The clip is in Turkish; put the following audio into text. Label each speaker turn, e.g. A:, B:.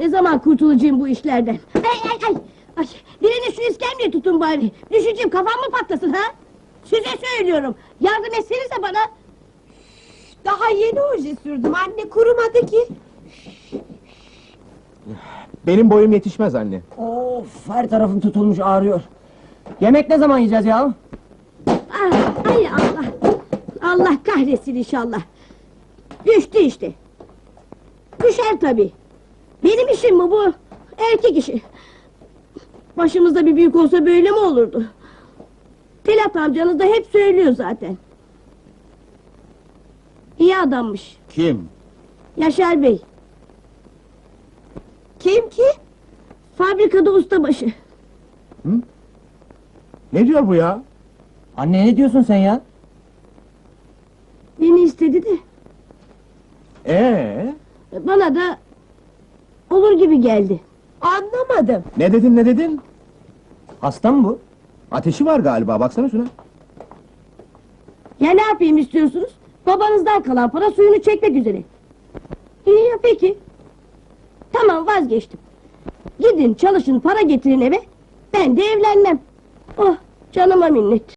A: Ne zaman kurtulacağım bu işlerden? Ay, biriniz şu iskemleyi tutun bari. Düşeceğim, kafam mı patlasın ha? Size söylüyorum, yardım etsenize bana.
B: Daha yeni oje sürdüm anne, kurumadı ki.
C: Benim boyum yetişmez anne.
D: Of, her tarafım tutulmuş, ağrıyor. Yemek ne zaman yiyeceğiz ya?
A: Ay Allah! Allah kahretsin inşallah! Düştü işte! Düşer tabii! Benim işim mi bu? Erkek işi! Başımızda bir büyük olsa böyle mi olurdu? Telat amcanız da hep söylüyor zaten. İyi adammış,
C: Kim?
A: Yaşar Bey!
B: Kim ki?
A: Fabrikada ustabaşı!
C: Ne diyor bu ya?
D: Anne ne diyorsun sen ya?
A: Beni istedi de,
C: Ee?
A: bana da... olur gibi geldi.
B: Anlamadım.
C: Ne dedin ne dedin?
D: Hasta mı bu?
C: Ateşi var galiba, baksana şuna.
A: Ya ne yapayım istiyorsunuz? Babanızdan kalan para suyunu çekmek üzere. İyi ya peki. Tamam vazgeçtim. Gidin çalışın para getirin eve. Ben de evlenmem. Oh canıma minnet.